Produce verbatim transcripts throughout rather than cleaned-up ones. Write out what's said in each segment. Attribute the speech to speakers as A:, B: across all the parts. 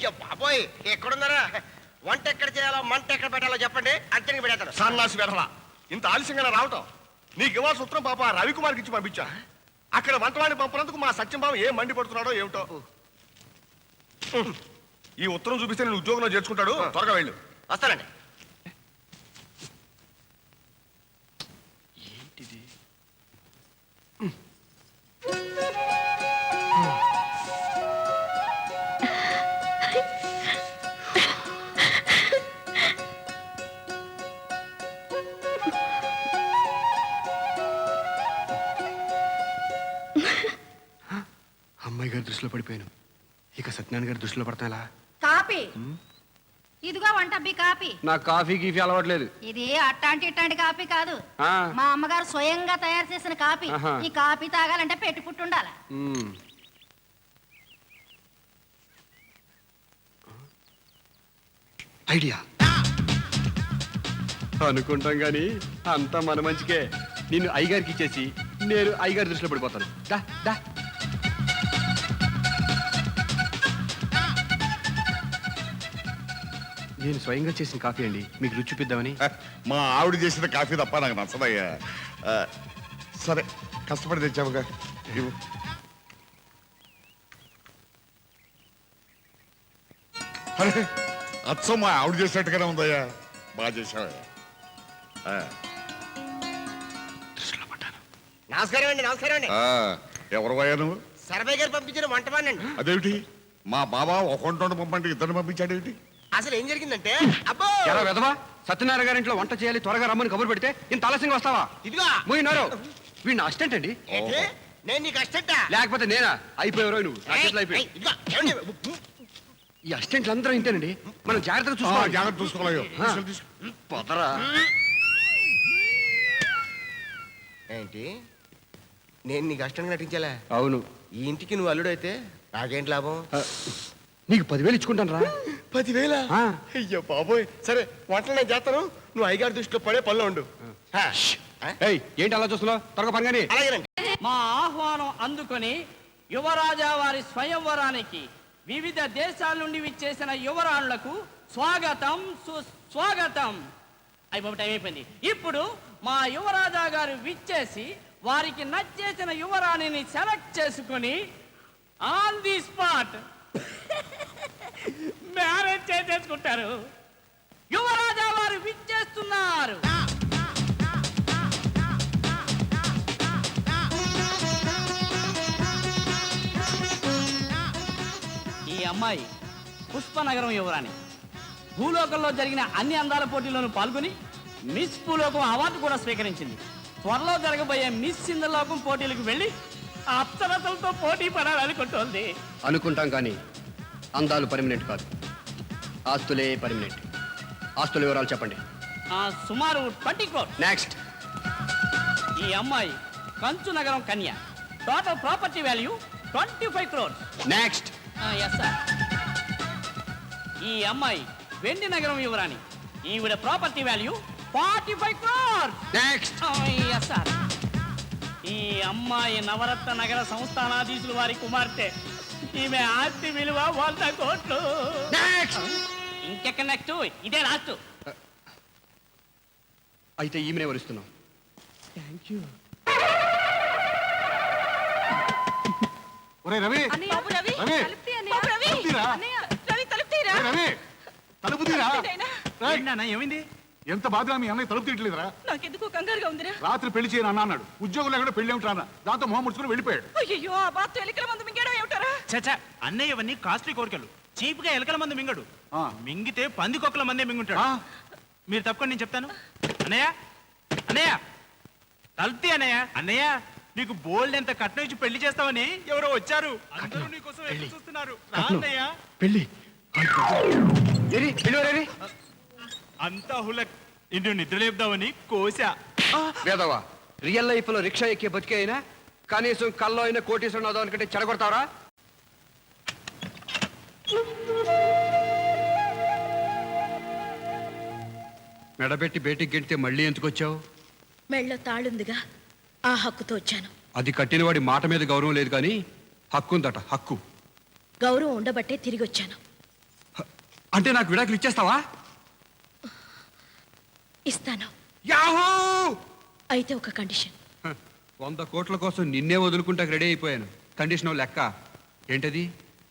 A: అయ్యో బాబోయ్ ఎక్కడున్నారా? వంట ఎక్కడ చేయాలో మంట ఎక్కడ పెట్టాలో చెప్పండి, అర్జెంట్గా పెడతాను.
B: సన్నాసి వెధవా, ఇంత ఆలస్యంగా రావటం? నీకు ఇవ్వాల్సిన ఉత్తరం పాప రవికుమార్కి ఇచ్చి పంపించా. అక్కడ వంటవాడిని పంపినందుకు మా సత్యంబాబు ఏం మండి పడుతున్నాడో ఏమిటో. ఈ ఉత్తరం చూపిస్తే నేను ఉద్యోగంలో చేర్చుకుంటాడు. త్వరగా వెళ్ళు.
A: వస్తానండి.
B: ఏంటిది? అమ్మాయి గారి దృష్టిలో పడిపోయాను. ఇక సత్యనారాయణ గారి దృష్టిలో పడతా ఎలా?
C: కాపీ ఇదిగో వంటబ్బి కాపీ.
B: నాకు కాఫీ గీఫీ అలవాట్లేదు.
C: ఇది అట్టాంటి ఇట్టాంటి కాపీ కాదు, మా అమ్మగారు స్వయంగా తయారు చేసిన కాపీ. ఈ కాపీ తాగాలంటే పెట్టి పుట్టుండాలి.
B: ఐడియా అనుకుంటాం గాని అంతా మన మంచికే. నిన్ను అయ్యగారికి ఇచ్చేసి నేను అయ్యగారి దృష్టిలో పడిపోతాను. దా దా. నేను స్వయంగా చేసిన కాఫీ అండి, మీకు రుచి చూపిద్దామని.
D: మా ఆవిడ చేసిన కాఫీ తప్ప నాకు నచ్చదయ్యా. సరే కష్టపడి తెచ్చావుగా. అరే అచ్చం మా ఆవిడ చేసినట్టుగానే ఉందయ్యా. బాగా చేసావయ్యా.
A: నమస్కారం అండి. నమస్కారం అండి.
D: ఎవరు అయ్యా నువ్వు?
A: సర్వే గారు పంపించిన వంటవాడినండి.
D: అదేమిటి మా బాబా ఒక వంట పంపండి ఇద్దరిని పంపించాడేమిటి?
A: అసలు ఏం జరిగిందంటే, అబ్బో
B: ఎలా వెదవా, సత్యనారాయణ గారి ఇంట్లో వంట చేయాలి, త్వరగా రమ్మని కబురు పెడితే ఇంత ఆలస్యంగా వస్తావా?
A: ఇదిగో
B: పోయినారు. వీడిని అసిస్టెంట్ అండి.
A: నేను నీకు అసిస్టెంటా?
B: లేకపోతే నేనా? అయిపోయావు నువ్వు. ఈ అసిస్టెంట్లు అందరూ ఇంతేనండి, మనం జాగ్రత్తగా చూసుకోవాలి.
D: జాగ్రత్త చూసుకోవాలి.
B: పొదరా
A: ఏంటి, నేను నీకు అసిస్టెంట్గా నటించాలా?
B: అవును.
A: ఈ ఇంటికి నువ్వు అల్లుడు అయితే నాకేంటి లాభం?
B: నీకు పదివేలు ఇచ్చుకుంటాను రా.
A: పదివేల? అయ్యో బాబోయ్. సరే వంటలు నేను చేస్తాను, నువ్వు అయ్యగారి దృష్టిలో పడే పనిలో ఉండు.
B: ఏంటి అలా చూస్తున్నావు? త్వరగా పనిగాని.
E: మా ఆహ్వానం అందుకొని యువరాజా వారి స్వయంవరానికి వివిధ దేశాల నుండి విచ్చేసిన యువరాణులకు స్వాగతం సుస్వాగతం. అయిపోయి టైం అయిపోయింది. ఇప్పుడు మా యువరాజా గారు విచ్చేసి వారికి నచ్చేసిన యువరాణిని సెలెక్ట్ చేసుకుని ఆన్ ది స్పాట్ మ్యారేజ్ చేసేసుకుంటారు. యువరాజా వారు విచ్చేస్తున్నారు. ఈ అమ్మాయి పుష్పనగరం యువరాణి. భూలోకంలో జరిగిన అన్ని అందాల పోటీల్లోనూ పాల్గొని మిస్ భూలోకం అవార్డు కూడా స్వీకరించింది. త్వరలో జరగబోయే మిస్ సింధలోకం పోటీలకు వెళ్ళి అప్సరసలతో పోటీ పడాలనుకుంటోంది.
B: అనుకుంటాం కానీ అందాలు పర్మనెంట్ కాదు, ఆస్తులే పర్మనెంట్. ఆస్తుల వివరాలు చెప్పండి.
E: సుమారు ట్వంటీ క్రోర్స్.
B: నెక్స్ట్.
E: ఈ అమ్మాయి కంచు నగరం కన్య. Total property value twenty five crores.
B: Next.
E: Yes sir. ఈ అమ్మాయి వెండి నగరం యువరాణి. ఈవిడ property value forty five crores.
B: Next.
E: Yes sir. ఈ అమ్మాయి నవరత్న నగర సంస్థానాధీశులు వారి కుమార్తె. ఈమె ఆస్తి విలువ వంద కోట్లు. ఇంకెక్కడ నెక్స్ట్? ఇదే లాస్ట్.
B: అయితే ఈమెనే వరుస్తున్నాం.
E: Thank you.
F: ఒరే రవి,
E: ఏమైంది?
F: ఎంత బాధగా మీ అన్నయ్య తలుపు తీయట్లేదురా?
G: నాకెందుకు కంగారుగా ఉందిరా.
F: రాత్రి పెళ్లి చేయను అన్న అన్నాడు. ఉద్యోగం లేకుండా పెళ్లి ఏమిటారా? దాంతో మొహం ముడుచుకుని వెళ్ళిపోయాడు.
G: అయ్యో ఆ బాత్ ఎలికల మందు మింగడం ఏమిటారా?
H: చచ్చా, అన్నయ్య ఇవన్నీ కాస్ట్లీ కోరికలు. చీప్ గా ఎలకల మంది మింగడు, మింగితే పందికొక్కల మందే మింగుంటాడు. మీరు తప్పకుండా నేను చెప్తాను. అన్నయ్య అన్నయ్య తలుపుతీ అన్నయ్య. అన్నయ్య నీకు బోల్డ్ ఎంత కట్నం ఇచ్చి పెళ్లి చేస్తావని ఎవరో వచ్చారు. అందరూ నీకోసం ఎదురు చూస్తున్నారు. అన్నయ్య
B: పెళ్లి
H: అంతా హులక్. నిన్ను నిద్రలేపుదామని కోసా.
B: వేదవా, రియల్ లైఫ్ లో రిక్షా ఎక్కే బతికే అయినా కనీసం కల్లో అయినా కోటేశ్వరం అవుదాం అనుకుంటే చెడగొడతావరా? మెడబెట్టి బయటికి గెంటితే మళ్ళీ ఎందుకు వచ్చావు?
G: మెళ్ళ తాళుందిగా, ఆ హక్కుతో వచ్చాను.
B: అది కట్టినవాడి మాట మీద గౌరవం లేదు కానీ హక్కు ఉందట. హక్కు
G: గౌరవం ఉండబట్టే తిరిగి వచ్చాను.
F: అంటే నాకు విడాకులు ఇచ్చేస్తావా?
G: ఇస్తాను.
F: యాహూ!
G: అయితే ఒక కండిషన్.
F: హ, వంద కోట్ల కోసం నిన్నే వదులుకుంటాకు రెడీ అయిపోయాను. కండిషన్ లెక్క ఏంటది?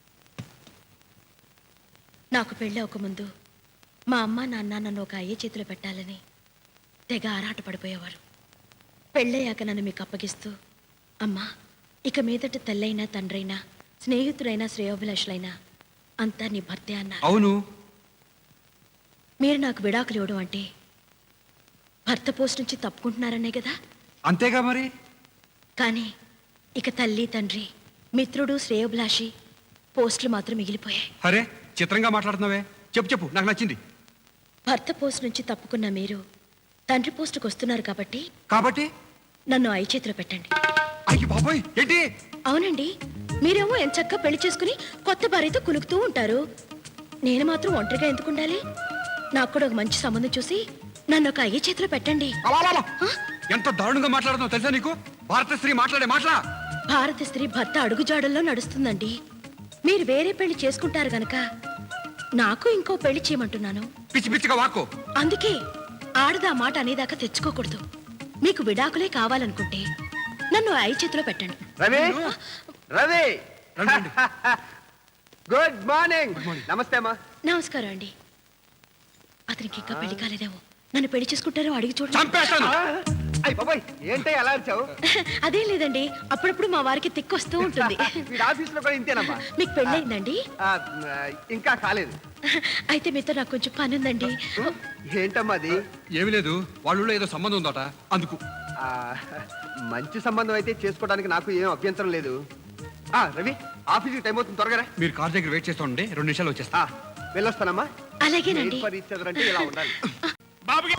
G: నాకు పెళ్ళి ఒక ముందు మా అమ్మ నాన్న నన్ను ఒక అయ్యే చేతిలో పెట్టాలని తెగ ఆరాట పడిపోయేవారు. పెళ్ళయ్యాక నన్ను మీకు అప్పగిస్తూ, అమ్మా ఇక మీదట తల్లైనా తండ్రైనా స్నేహితుడైనా శ్రేయోభిలాషులైనా అంతా నీ భర్తే అన్నారు.
F: అవును.
G: మీరు నాకు విడాకులు ఇవ్వడం అంటే భర్త పోస్ట్ నుంచి తప్పుకుంటున్నారనే కదా.
F: అంతేగా మరి.
G: కానీ ఇక తల్లి తండ్రి మిత్రుడు శ్రేయోభిలాషి పోస్టులు మాత్రం మిగిలిపోయాయి.
F: అరే చిత్రంగా మాట్లాడుతున్నావే. చెప్పు చెప్పు, నాకు నచ్చింది.
G: భర్త పోస్ట్ నుంచి తప్పుకున్న మీరు తండ్రి పోస్టుకు వస్తున్నారు కాబట్టి
F: కాబట్టి
G: నన్ను ఐ చేతిలో పెట్టండి.
F: అయ్యి బాబోయ్, ఏంటి?
G: అవునండి, మీరేమో ఎంచక్కా పెళ్లి చేసుకుని కొత్త భార్యతో కులుకుతూ ఉంటారు. నేను మాత్రం ఒంటరిగా ఎందుకు ఉండాలి? నాకు కూడా ఒక మంచి సంబంధం చూసి నన్ను ఒక అయ్యే చేతిలో పెట్టండి.
F: అలా ఎంత దారుణంగా మాట్లాడుతున్నావు తెలుసా నీకు? భారత స్త్రీ మాట్లాడే మాటలా?
G: భారత స్త్రీ భర్త అడుగుజాడల్లో నడుస్తుందండి. మీరు వేరే పెళ్లి చేసుకుంటారు గనక నాకు ఇంకో పెళ్లి చేయమంటున్నాను.
F: పిచ్చి పిచ్చిగా వాక్కో.
G: అందుకే ఆడదా మాట అనేదాకా తెచ్చుకోకూడదు. మీకు విడాకులే కావాలనుకుంటే నన్ను ఐ చేతిలో పెట్టండి.
I: రవి రవి
F: రండి.
I: Good morning. నమస్తే అమ్మా.
G: నమస్కారం అండి. అతనికి ఇంకా పెళ్లి కాలేదేమో. నన్ను పెళ్లి చేసుకుంటారో అడిగి చూడండి.
F: చంపేస్తాను.
I: అయ్యి బాబాయ్, ఏంటో ఎలా అరిచావు?
G: అదేం లేదండి, అప్పుడప్పుడు మా వారికి తిక్కు వస్తూ ఉంటుంది.
I: వీడి ఆఫీస్ లో కూడా ఇంతేనమ్మా.
G: మీకు పెళ్ళయిందండి?
I: ఆ, ఇంకా కాలేదు.
G: అయితే మీతో నాకు కొంచెం పని ఉందండి.
I: ఏంటమ్మా అది?
F: ఏమి లేదు, వాళ్ళ ఏదో సంబంధం ఉందట అందుకు.
I: ఆ, మంచి సంబంధం అయితే చేసుకోవడానికి నాకు ఏం అభ్యంతరం లేదు. ఆ రవి, ఆఫీస్కి టైం అవుతుంది, త్వరగా రా.
F: మీరు కార్ దగ్గర వెయిట్ చేస్తూ ఉండే, రెండు నిమిషాలు వచ్చేస్తా.
I: ఆ, వెళ్ళొస్తానమ్మా.
G: అలాగేనండి.
I: Made for each other అంటే ఇలా ఉండాలి.
H: బాబుకి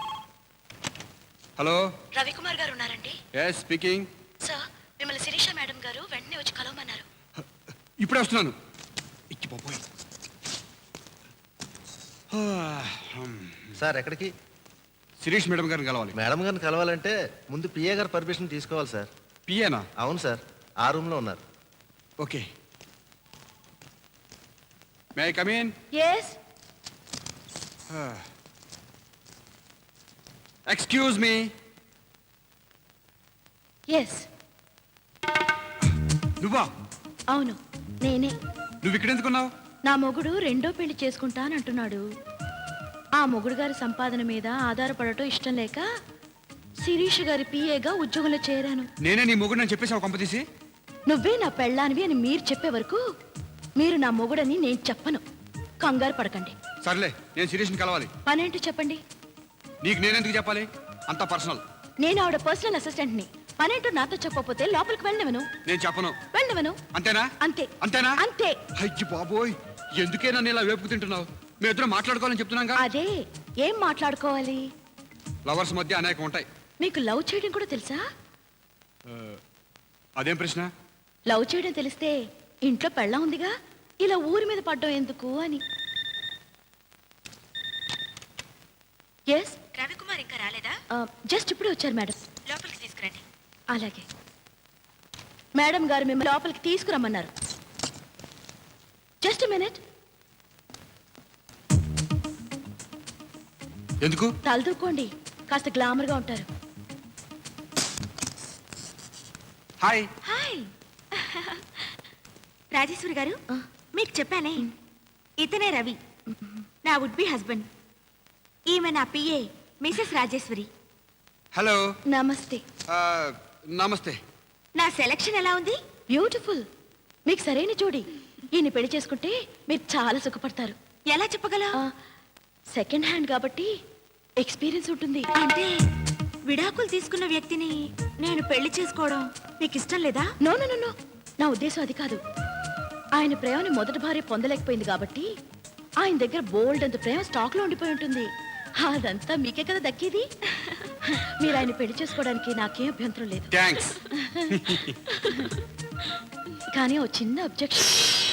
F: హలో.
G: రవికుమార్ గారు ఉన్నారండి?
F: Yes speaking.
G: సార్, మిమ్మల్ని శిరీష మేడం గారు వెంటనే వచ్చి కలవమన్నారు.
F: ఇప్పుడే వస్తున్నాను. ఇచ్చి బాబోయ్.
J: సార్ ఎక్కడికి?
F: శిరీష్ మేడం గారిని కలవాలి.
J: మేడం గారిని కలవాలంటే ముందు పిఏ గారు పర్మిషన్ తీసుకోవాలి సార్.
F: పిఏనా?
J: అవును సార్, ఆ రూమ్లో ఉన్నారు.
F: Okay. May I come in?
G: Yes.
F: Excuse me.
G: Yes.
F: నువ్వా?
G: అవును, నేనే.
F: నువ్వు ఇక్కడ ఎందుకున్నావు?
G: నా మొగుడు రెండో పెళ్లి చేసుకుంటానంటున్నాడు. ఆ మొగుడు గారి సంపాదన మీద ఆధారపడటం ఇష్టం లేక శిరీష్ గారి పిఏగా ఉద్యోగంలో చేరాను.
F: నేనే నీ మొగుడు అని చెప్పేసావు కొంపతీసి?
G: నువ్వే నా పెళ్ళానివి అని మీరు చెప్పే వరకు మీరు నా మొగుడని నేను చెప్పను. కంగారు పడకండి.
F: సర్లే, నేను శిరీష్ని కలవాలి.
G: పనేంటో చెప్పండి.
F: నీకు నేనెందుకు చెప్పాలి? అంతా పర్సనల్.
G: నేను ఆవిడ పర్సనల్ అసిస్టెంట్ని. పనేంటో నాతో చెప్పకపోతే లోపలికి వెళ్ళనివను.
F: నేను చెప్పను.
G: వెళ్ళనివను.
F: అంతేనా?
G: అంతే.
F: అంతేనా?
G: అంతే.
F: అయ్యి బాబోయ్, ఎందుకే నన్ను ఇలా వేపుకు తింటున్నావు? మేము ఇద్దరం మాట్లాడుకోవాలని చెప్తున్నాగా.
G: అదే, ఏం మాట్లాడుకోవాలి?
F: లవర్స్ మధ్య అనేకం ఉంటాయి.
G: మీకు లవ్ చేయడం కూడా తెలుసా?
F: అదేం ప్రశ్న?
G: లవ్ చేయడం తెలిస్తే ఇంట్లో పెళ్ళం ఉందిగా, ఇలా ఊరి మీద పడ్డం ఎందుకు అని. ఎస్.
C: రవికుమార్ ఇంకా రాలేదా?
G: జస్ట్ ఇప్పుడే వచ్చారు మేడం.
C: లోపలికి తీసుకురండి.
G: అలాగే. మేడం గారు మిమ్మల్ని లోపలికి తీసుకురమ్మన్నారు. Just minute.
F: ఎందుకు?
G: తలదూకోండి, కాస్త గ్లామర్గా ఉంటారు.
F: హాయ్.
C: హాయ్. రాజేశ్వరి గారు, మీకు చెప్పానే, ఇతనే రవి, నా వుడ్ బి హస్బెండ్. ఈమె నా పిఏ మిసెస్ రాజేశ్వరి.
F: హలో.
G: నమస్తే.
F: నమస్తే.
C: నా సెలక్షన్ ఎలా ఉంది?
G: బ్యూటిఫుల్. మీకు సరైన జోడి. ఈయన పెళ్లి చేసుకుంటే మీరు చాలా సుఖపడతారు.
C: ఎలా చెప్పగలవు?
G: సెకండ్ హ్యాండ్ కాబట్టి ఎక్స్పీరియన్స్ ఉంటుంది.
C: అంటే విడాకులు తీసుకున్న వ్యక్తిని నేను పెళ్లి చేసుకోవడం మీకు ఇష్టం లేదా?
G: నో నో నో, నా ఉద్దేశం అది కాదు. ఆయన ప్రేమని మొదటి భార్య పొందలేకపోయింది కాబట్టి ఆయన దగ్గర బోల్డ్ అంత ప్రేమ స్టాక్ లో ఉండిపోయి ఉంటుంది. అదంతా మీకే కదా దక్కేది. మీరు ఆయన పెళ్లి చేసుకోవడానికి నాకేం అభ్యంతరం లేదు.
F: థాంక్స్.
G: కానీ ఓ చిన్న అబ్జెక్షన్.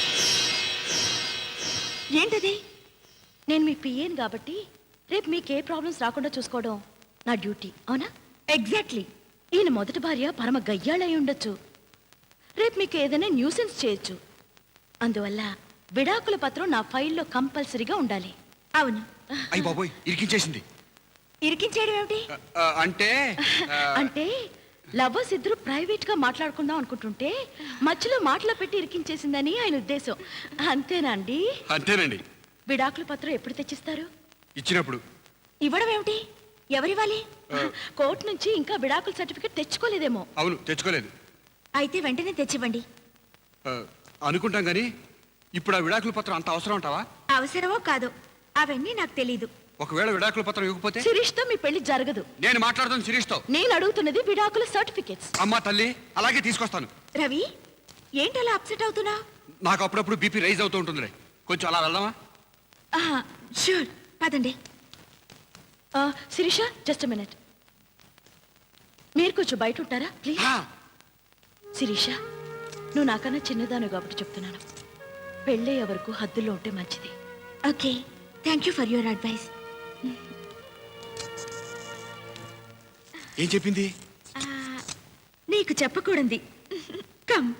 C: ఏంటది?
G: నేను మీ పిఏని కాబట్టి రేపు మీకు ఏ ప్రాబ్లమ్స్ రాకుండా చూసుకోవడం నా డ్యూటీ, అవునా?
C: ఎగ్జాక్ట్లీ.
G: ఈయన మొదటి భార్య పరమ గయ్యాళై ఉండొచ్చు. రేపు మీకు ఏదైనా న్యూసెన్స్ చేయొచ్చు. అందువల్ల విడాకుల పత్రం నా ఫైల్లో కంపల్సరీగా ఉండాలి.
C: అవును.
F: అయ్యి బాబోయ్ ఇరికించేసింది.
C: ఇరికించేయడం ఏమిటి?
F: ఆ, అంటే ఆ,
G: అంటే లవర్స్ ఇద్దరు ప్రైవేట్ గా మాట్లాడుకుందాం అనుకుంటుంటే మధ్యలో మాటలు పెట్టి ఇరికించేసిందని ఆయన ఉద్దేశం. అంతేనా అండి?
F: అంతేనండి.
G: విడాకుల పత్రం ఎప్పుడు తెచ్చిస్తారు?
F: ఇచ్చినప్పుడు.
C: ఇవ్వడం ఏమిటి? ఎవరివ్వాలి?
G: కోర్టు నుంచి ఇంకా విడాకుల సర్టిఫికెట్ తెచ్చుకోలేదేమో.
F: అవును, తెచ్చుకోలేదు.
C: అయితే వెంటనే తెచ్చివ్వండి.
F: ఆ, అనుకుంటాం కానీ ఇప్పుడు ఆ విడాకుల పత్రం అంత అవసరం అంటావా?
C: అవసరమో కాదో అవన్నీ నాకు తెలీదు.
F: ఒకవేళ విడాకుల పత్రం ఇవ్వకపోతే
G: శిరీష్ తో మీ పెళ్లి జరగదు.
F: నేను మాట్లాడుతాను శిరీష్తో.
G: నేను అడుగుతున్నది విడాకుల సర్టిఫికెట్స్.
F: అమ్మా తల్లి, అలాగే తీసుకొస్తాను.
C: రవి, ఏంటి అలా అప్సెట్ అవుతున్నా?
F: నాకు అప్పుడప్పుడు బీపీ రైజ్ అవుతూ ఉంటుందిలే. కొంచెం అలా వెళ్దామా?
C: షూర్, పదండి.
G: Sirisha, just minute. మీరు కొంచెం బయట ఉంటారా ప్లీజ్? శిరీష, నువ్వు నాకన్నా చిన్నదాను కాబట్టి చెప్తున్నాను. పెళ్ళయ్యే వరకు హద్దుల్లో ఉంటే మంచిది.
C: Okay, thank you for your advice.
F: ఏం చెప్పింది?
C: నీకు చెప్పకూడదు. కమ్.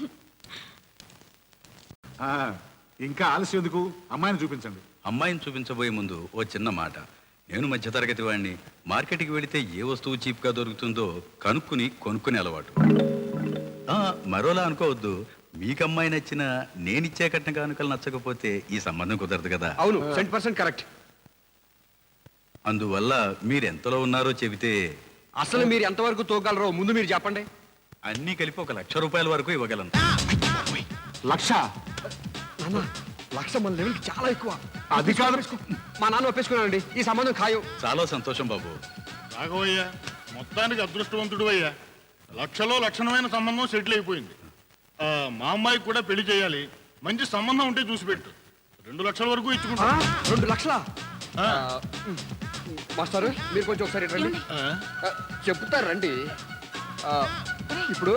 K: ఇంకా ఆలస్యం ఎందుకు? అమ్మాయిని చూపించండి.
L: అమ్మాయిని చూపించబోయే ముందు ఓ చిన్న మాట. నేను మధ్యతరగతి వాడిని. మార్కెట్కి వెళితే ఏ వస్తువు చీప్గా దొరుకుతుందో కనుక్కుని కొనుక్కునే అలవాటు. ఆ, మరోలా అనుకోవద్దు. మీకు అమ్మాయి నచ్చిన నేనిచ్చే కట్న కానుకలు నచ్చకపోతే ఈ సంబంధం కుదరదు కదా.
I: అవును, సెంట్ పర్సెంట్ కరెక్ట్.
L: అందువల్ల మీరు ఎంతలో ఉన్నారో చెబితే.
I: అసలు మీరు ఎంతవరకు తోగలరో ముందు మీరు చెప్పండి.
L: అన్నీ కలిపి ఒక లక్ష రూపాయల వరకు ఇవ్వగలను.
K: లక్ష?
I: నాన్న, లక్ష మన లెవెల్కి చాలా ఎక్కువ.
K: అది కాదు.
I: మా నాన్న ఒప్పేసుకున్నానండి, ఈ సంబంధం ఖాయం.
L: చాలా సంతోషం బాబు.
D: రాఘవయ్యా, మొత్తానికి అదృష్టవంతుడు అయ్యా. లక్షలో లక్షణమైన సంబంధం సెటిల్ అయిపోయింది. ఆ, మా అమ్మాయికి కూడా పెళ్లి చేయాలి. మంచి సంబంధం ఉంటే చూసి పెట్టు. రెండు లక్షల వరకు ఇచ్చుకుంటా.
I: రెండు లక్షల మాస్టారు, మీరు కొంచెం ఒకసారి రండి.
D: ఆ?
I: ఆ, చెప్తారు రండి. ఆ, ఇప్పుడు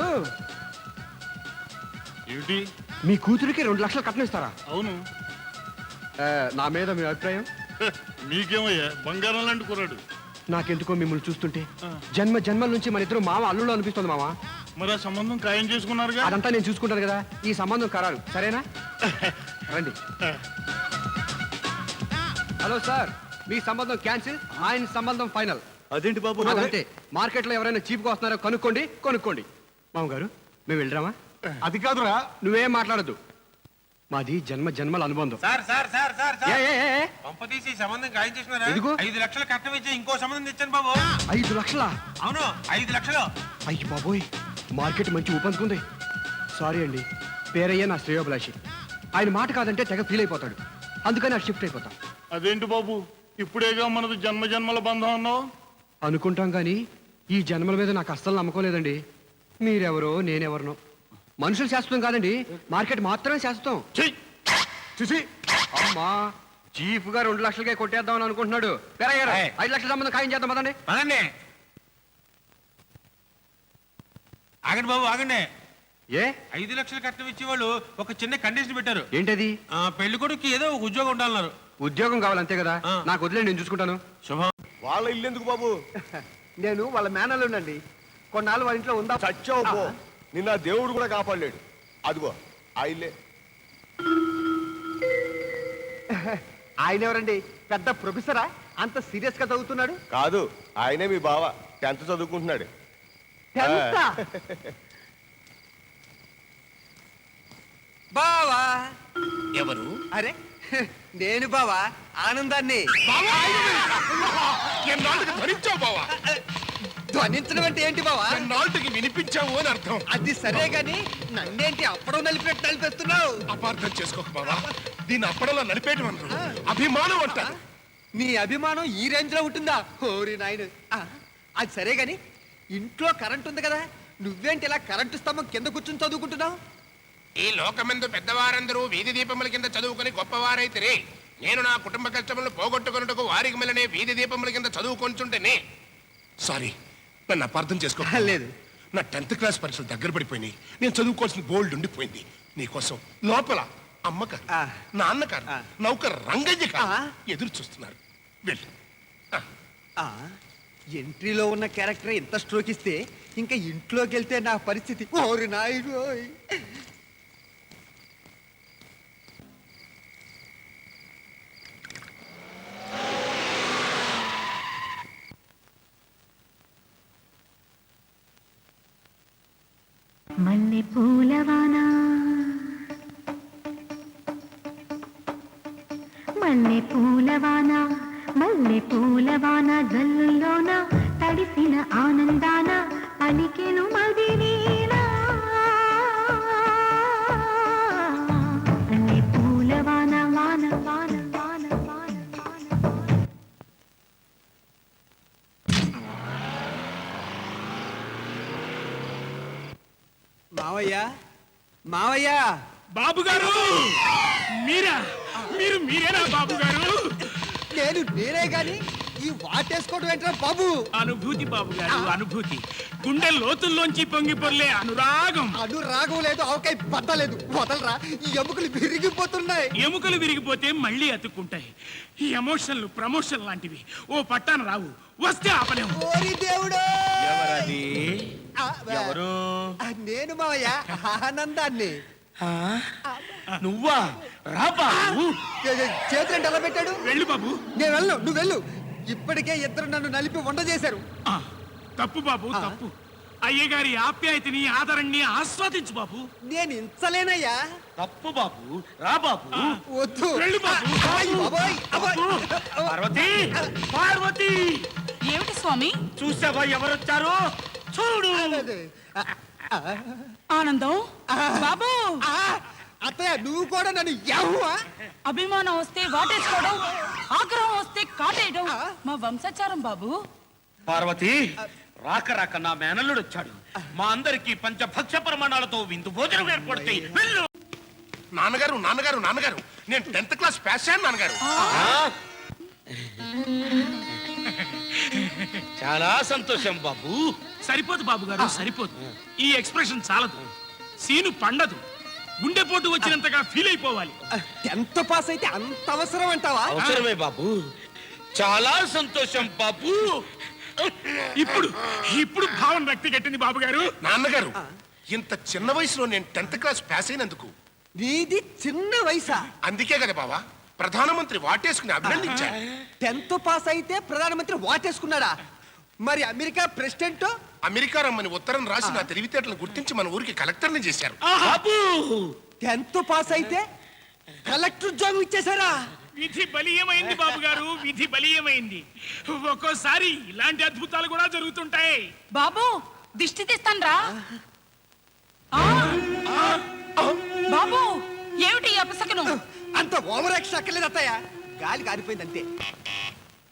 D: ఏమిటి?
I: మీ కూతురికి రెండు లక్షలు కట్నం ఇస్తారా?
D: అవును.
I: ఆ, నా మీద మీ అభిప్రాయం?
D: హ, మీకేమయ్యా, బంగారం లాంటి కుర్రాడు.
I: నాకెందుకో మిమ్మల్ని చూస్తుంటే జన్మ జన్మల నుంచి మన ఇద్దరు మామ అల్లుళ్ళు అనిపిస్తుంది మామ.
D: మరి ఆ సంబంధం ఖాయం చేసుకున్నారుగా.
I: అదంతా నేను చూసుకుంటాను కదా. ఈ సంబంధం ఖరారు, సరేనా? రండి. హలో సార్, మీ సంబంధం క్యాన్సిల్, ఆయన సంబంధం ఫైనల్.
L: అదేంటి బాబు?
I: అదంతే. మార్కెట్లో ఎవరైనా చీప్గా వస్తున్నారో కనుక్కోండి, కొనుక్కోండి. మామగారు, మేము వెళ్ళరామా?
K: అది కాదురా.
I: నువ్వేం మాట్లాడద్దు. మాది జన్మ జన్మల అనుబంధం.
H: సార్ సార్ సార్ సార్
I: ఏ, ఏ, ఏ, ఏ?
H: పంపతీసి సంబంధం ఖాయం చేసినారా?
I: ఎందుకు?
H: ఐదు లక్షలు కట్నం ఇచ్చి ఇంకో సంబంధం తెచ్చాను బాబు.
I: ఐదు లక్షలా?
H: అవును, ఐదు లక్షలు.
I: అయ్యి బాబోయ్, మార్కెట్ మంచి ఊపందుకుంది. సారీ అండి, పేరయ్య నా శ్రేయోభిలాషి. ఆయన మాట కాదంటే తెగ ఫీల్ అయిపోతాడు. అందుకని అటు షిఫ్ట్ అయిపోతాం.
D: అదేంటి బాబు, ఇప్పుడేగా మనది జన్మ జన్మల బంధం అన్నావు.
I: అనుకుంటాం కానీ ఈ జన్మల మీద నాకు అస్సలు నమ్మకం లేదండి. మీరెవరో నేనెవరినో. మనుషులు శాశ్వతం కాదండి, మార్కెట్ మాత్రమే శాశ్వతం. చూసి అమ్మా, చీఫ్ గా రెండు లక్షలకే కొట్టేద్దామని అనుకుంటున్నాడు. పేరయ్య గారు, ఐదు లక్షల సంబంధం ఖాయం చేద్దాం పదండి.
H: పదండి. ఆగండి బాబు, ఆగండి.
I: ఏ
H: ఐదు లక్షలు కట్నం ఇచ్చే వాళ్ళు ఒక చిన్న కండిషన్ పెట్టారు.
I: ఏంటది?
H: ఆ, పెళ్లి కొడుకు ఏదో ఒక ఉద్యోగం ఉండాలన్నారు.
I: ఉద్యోగం కావాలంతే కదా. నాకు వదిలే, నేను చూసుకుంటాను.
H: శుభం.
B: వాళ్ళ ఇల్లు ఎందుకు బాబు?
I: నేను వాళ్ళ మేనల్లుండండి. కొన్నాళ్ళు వాళ్ళ ఇంట్లో ఉందా?
B: చచ్చావు పో. నిన్న ఆ దేవుడు కూడా కాపాడలేడు. అదిగో ఆ ఇల్లే.
I: ఆయన ఎవరండి? పెద్ద ప్రొఫెసరా? అంత సీరియస్ గా చదువుతున్నాడు?
B: కాదు, ఆయనే మీ బావ. టెన్త్ చదువుకుంటున్నాడు.
I: టెన్తా?
E: బావా.
J: ఎవరు?
E: అరే నేను బావా, ఆనందాన్ని.
B: ఎన్నాళ్ళకి భరించావు బావా?
E: ధ్వనించడం అంటే ఏంటి బావా?
B: ఎన్నాళ్ళకి వినిపించావు అని అర్థం.
E: అది సరే గాని నన్నేంటి అప్పడం నలిపినట్టు నలిపేస్తున్నావు?
B: అపార్థం చేసుకోక బావా. దీన్ని అప్పడలా నడిపేయడం అంటారు, అభిమానం అంటారు.
E: నీ అభిమానం ఈ రేంజ్ లో ఉంటుందా? ఓరి నాయన. అది సరే గాని ఇంట్లో కరెంట్ ఉంది కదా, నువ్వేంటి ఇలా కరెంటు స్తంభం కింద కూర్చుని చదువుకుంటున్నావు?
M: ఈ లోకమందు పెద్దవారందరూ వీధి దీపముల కింద చదువుకుని గొప్పవారైతే నేను నా కుటుంబ కష్టములను పోగొట్టుకున్నట్టుకు వారికి మెల్లనే వీధి దీపముల కింద చదువుకొంచుంటేనే. సారీ, నన్ను అపార్థం చేసుకో.
E: లేదు,
M: నా టెన్త్ క్లాస్ పరీక్షలు దగ్గర పడిపోయినాయి. నేను చదువుకోవాల్సిన గోల్డ్ ఉండిపోయింది. నీకోసం లోపల అమ్మకారు, నాన్నకారు, నౌకర్ రంగయ్య గారు ఎదురు చూస్తున్నారు. వెళ్ళు.
E: ఎంట్రీలో ఉన్న క్యారెక్టర్ ఎంత స్ట్రోక్ ఇస్తే ఇంకా ఇంట్లోకి వెళ్తే నా పరిస్థితి. ఓరి నాయుడు.
N: మల్లె పూలవాన మల్లె పూలవాన మల్లె పూలవాన జల్లుల్లోన తడిసిన ఆనందాన పలికెను మదినేనా మల్లె పూలవాన వాన వాన వాన వాన
I: మావయ్య మావయ్య
H: బాబు గారు మీరా మీరు మీరేనా బాబు గారు?
I: నేను నేనే గాని ఈ వాటేసుకోవడం ఏంట్రా బాబు?
H: అనుభూతి బాబు గారు, అనుభూతి. గుండె లోతుల్లోంచి పొంగి పొర్లే అనురాగం.
I: అనురాగం లేదు, అవకాయ పట్టలేదు. వదలరా, ఈ ఎముకలు విరిగిపోతున్నాయి.
H: ఎముకలు విరిగిపోతే మళ్ళీ అతుక్కుంటాయి. ఈ ఎమోషన్లు ప్రమోషన్ లాంటివి ఓ పట్టాన రావు, వస్తే ఆపలేము.
I: ఓరి దేవుడు!
H: ఎవరది?
I: ఆ,
H: ఎవరు?
I: ఆ, నేను మావయ్య ఆనందాన్ని.
H: నువ్వా? రా బాబు.
I: చేతులంటే ఎలా పెట్టాడు?
H: వెళ్ళు బాబు.
I: నేను వెళ్ళు, నువ్వు వెళ్ళు. ఇప్పటికే ఇద్దరు నన్ను నలిపి వంట చేశారు.
H: ఆ, తప్పు బాబు, తప్పు. అయ్యగారి ఆప్యాయతని ఆదరణని ఆస్వాదించు బాబు.
I: నేను ఇంచలేనయ్యా.
H: తప్పు బాబు, రా బాబు.
I: వద్దు.
H: వెళ్ళు బాబు.
I: అబ్బాయ్, అబ్బాయ్, అబ్బాయ్.
H: పార్వతి, పార్వతి.
E: ఏమిటి స్వామి?
H: చూసావా ఎవరొచ్చారు? చూడు.
E: ఆనందం బాబు.
I: అత్తయ్య, నువ్వు కూడా నన్ను యవ్వా?
E: అభిమానం వస్తే వాటేసుకోవడం, ఆగ్రహం వస్తే కాటేయడం మా వంశాచారం బాబు.
H: పార్వతి, రాక రాక నా మేనల్లుడు వచ్చాడు. మా అందరికి పంచభక్ష ప్రమాణాలతో విందు భోజనం ఏర్పడతాయి. వెళ్ళు.
M: నాన్నగారు నాన్నగారు నాన్నగారు నేను టెన్త్ క్లాస్ పాస్ అయ్యాను నాన్నగారు.
H: చాలా సంతోషం బాబు. సరిపోదు బాబు గారు, సరిపోదు. ఈ ఎక్స్ప్రెషన్ చాలదు. సీను పండదు. గుండెపోటు వచ్చినంతగా ఫీల్ అయిపోవాలి.
I: టెన్త్ పాస్ అయితే అంత అవసరం అంటావా?
H: అవసరమే బాబు. చాలా సంతోషం బాబు. ఇప్పుడు ఇప్పుడు భావన వ్యక్తి కట్టింది బాబు గారు.
M: నాన్నగారు ఇంత చిన్న వయసులో నేను టెన్త్ క్లాస్ పాస్ అయినందుకు.
I: నీది చిన్న వయసా?
M: అందుకే కదా బావా ప్రధానమంత్రి వాటేసుకుని అభినందించారు.
I: టెన్త్ పాస్ అయితే ప్రధానమంత్రి వాటేసుకున్నాడా? మరి అమెరికా ప్రెసిడెంట్?
M: అమెరికా రమ్మని ఉత్తరం రాసి నా తెలివితేటలను గుర్తించి మన ఊరికి కలెక్టర్ని చేశారు.
I: టెన్త్ పాస్ అయితే కలెక్టర్ ఉద్యోగం ఇచ్చేశారా?
H: విధి బలీయమైంది బాబు గారు, విధి బలీయమైంది. ఒక్కోసారి ఇలాంటి అద్భుతాలు కూడా జరుగుతుంటాయి.
E: బాబు, దిష్టి తీస్తాన్రా. బాబు, ఏమిటి ఈ అపశకునం?
I: అంత ఓవర్ యాక్షన్ అక్కర్లేదు అత్తయ్య. గాలి కారిపోయింది అంతే.